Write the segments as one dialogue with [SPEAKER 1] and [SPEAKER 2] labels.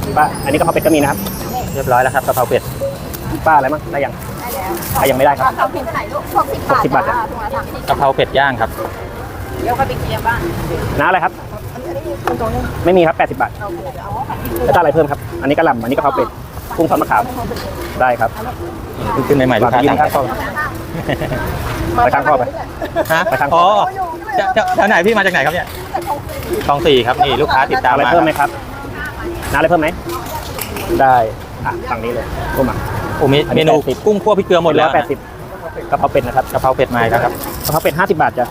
[SPEAKER 1] ป้าอันนี้กะเพราเป็ดก็มีนะครับ
[SPEAKER 2] เรียบร้อยแล้วครับกะเพราเป็ด
[SPEAKER 1] ป้าอะไรมั้งได้ยังยังไม่ได้ครับ
[SPEAKER 3] เราพิมพ์เท่าไหร่ลูก60 บาท
[SPEAKER 1] จ้ะ
[SPEAKER 3] ถุงละ30
[SPEAKER 2] กะเพราเป็ดย่างครับ
[SPEAKER 3] เดี๋ยวก็ไปเคลียร์บ้าน
[SPEAKER 1] น้าอะไรครับไม่มีครับ80 บาทแล้วจะอะไรเพิ่มครับอันนี้กะหล่ำอันนี้กะเพราเป็ดกุ้งทอดมะขามได้ครับ
[SPEAKER 2] ขึ้นใหม่ๆลูกค้า
[SPEAKER 1] ยิ
[SPEAKER 2] สั่
[SPEAKER 1] น
[SPEAKER 2] ง
[SPEAKER 1] ครับไปข้างพ่อไป
[SPEAKER 2] ฮะ
[SPEAKER 1] ไปทาง
[SPEAKER 2] อ๋อแถวไหนพี่มาจากไหนครับเนี่ยคลอง4ครับนี่ลูกค้าติดตาม
[SPEAKER 1] อะไร
[SPEAKER 2] มา
[SPEAKER 1] เพิ่มไหมครับน้าอะไรเพิ่มไหมได้ฝั่งนี้เลยกุ้งอ่ะ
[SPEAKER 2] โอ้มี
[SPEAKER 1] อันนี้
[SPEAKER 2] เมนู
[SPEAKER 1] 80
[SPEAKER 2] กุ้งคั่วพริกเกลือหมดแล้ว
[SPEAKER 1] 80กะเพราเป็ดนะครับ
[SPEAKER 2] กะเพราเป็ดมาแล้วครับ
[SPEAKER 1] กะเพราเป็ด50 บาทจ้ะ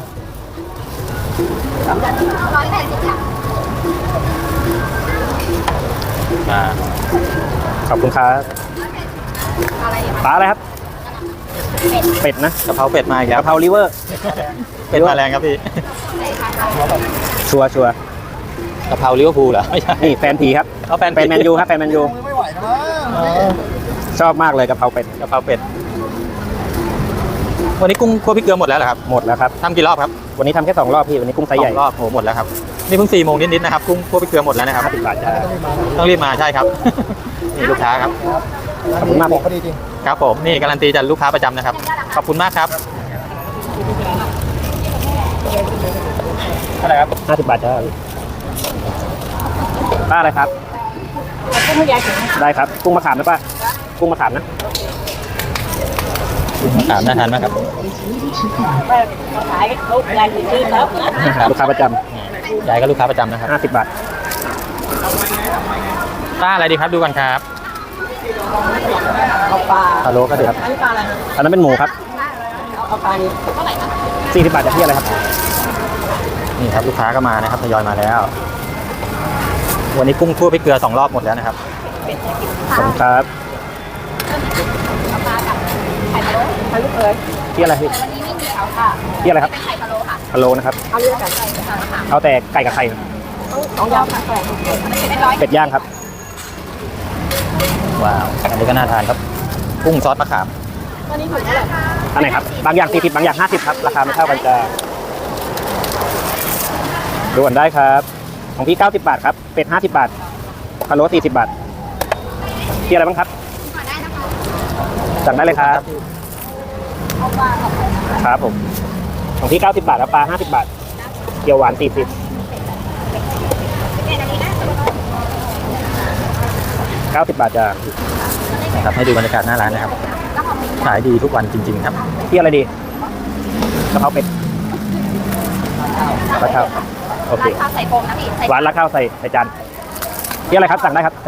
[SPEAKER 2] มา
[SPEAKER 1] ขอบคุณครับปลาอะไรครับเป็ดนะ
[SPEAKER 2] กะเพราเป็ดมาอีกแล้ว
[SPEAKER 1] กะเพราลิเวอร์
[SPEAKER 2] เป็ดมาแรงครับพี่
[SPEAKER 1] ชัวร์
[SPEAKER 2] กะเพราลิเวอร์พูลเหรอไม่ใช่
[SPEAKER 1] นี่แฟนผีครับ
[SPEAKER 2] เอาแฟน
[SPEAKER 1] แฟนแมนยูครับแฟนแมนยูชอบมากเลยกะเพราเป็ด
[SPEAKER 2] กะเพราเป็ดวันนี้กุ้งคั่วพริกเกลือหมดแล้วเหรอครับ
[SPEAKER 1] หมดแล้วครับ
[SPEAKER 2] ทำกี่รอบครับ
[SPEAKER 1] วันนี้ทำแค่2 รอบพี่วันนี้กุ้งไซส์ใหญ่
[SPEAKER 2] 2 รอบโหหมดแล้วครับนี่เพิ่ง4 โมงนิดๆนะครับกุ้งคั่วพริกเกลือหมดแล้วนะครับ
[SPEAKER 1] 50 บาทจ้ะ
[SPEAKER 2] ต้องรีบมาใช่ครับ นี่ลูกค้าครับ
[SPEAKER 1] ขอบคุณมากพี่
[SPEAKER 2] ครับผมนี่การันตีจากลูกค้าประจำนะครับขอบคุณมากครับอะไรครับ
[SPEAKER 1] 50 บาทจ้ะป้าอะไรครับ
[SPEAKER 3] กุ้งไม่ใหญ่ถึง
[SPEAKER 1] ได้ครับกุ้งมะขามนะป้ากุ้งมะขามนะ
[SPEAKER 2] ถามน่าทานมากครับ
[SPEAKER 3] มาขายลูกใหญ่ถึงซื้อแล้ว
[SPEAKER 1] ลูกค้าประจ
[SPEAKER 2] ยายก็ลูกค้าประจำนะครับ
[SPEAKER 1] ำ50 บาท
[SPEAKER 2] ป้าอะไรดีครับดูกันครับ
[SPEAKER 3] เอาปลา
[SPEAKER 2] ฮัลโหลก็เดือด
[SPEAKER 3] อันนี้ปลาอะไร
[SPEAKER 1] อันนั้นเป็นหมูครับ
[SPEAKER 3] เอาปลานี้เท่าไหร่นะ
[SPEAKER 1] 40 บาทจะพี่อะไรครับ
[SPEAKER 2] นี่ครับลูกค้าก็มานะครับทยอยมาแล้ว วันนี้กุ้งคั่วพริกเกลือ2 รอบหมดแล้วนะครับ
[SPEAKER 1] ขอบคุณครับ
[SPEAKER 3] ไข่พะโล้ไข่ลูกเอ๋ย
[SPEAKER 1] พี่อะไรพี่
[SPEAKER 3] วันนี้ไม่มีเอาค่ะ
[SPEAKER 1] พี่อะไรครับ
[SPEAKER 3] ไข่พะโล้ค่ะ
[SPEAKER 1] พะโล้นะครับ
[SPEAKER 3] เอาเรื่องกัน
[SPEAKER 1] เอาแต่ไก่กับไข่
[SPEAKER 3] ต้องยาวค่ะ100
[SPEAKER 1] เป็ดย่างครับ
[SPEAKER 2] ว้าวอันนี้ก็น่าทานครับกุ้งซอสมะขาม
[SPEAKER 3] วันนี้ถูกเท่าไหร่
[SPEAKER 1] อันไหนครับบางอย่าง40บางอย่าง50ครับราคาไม่เท่ากันจ้ะด่วนได้ครับของพี่90 บาทครับเป็ด50 บาทพะโล้40 บาทพี่อะไรบ้างครับสั่งได้เลยครับครับผมของพี่90 บาทครับปลา50 บาทเกี๊ยวหวาน40 90 บาทจ้ะ
[SPEAKER 2] นะครับให้ดูบรรยากาศหน้าร้านนะครับขายดีทุกวันจริงๆครับ
[SPEAKER 1] พี่อะไรดีกะเพราเป็ดราดข้าวโอเค
[SPEAKER 3] ข้าวใส่โฟมนะพี่
[SPEAKER 1] หวานราดข้าวใส่จานพี่อะไรครับสั่งได้ครับ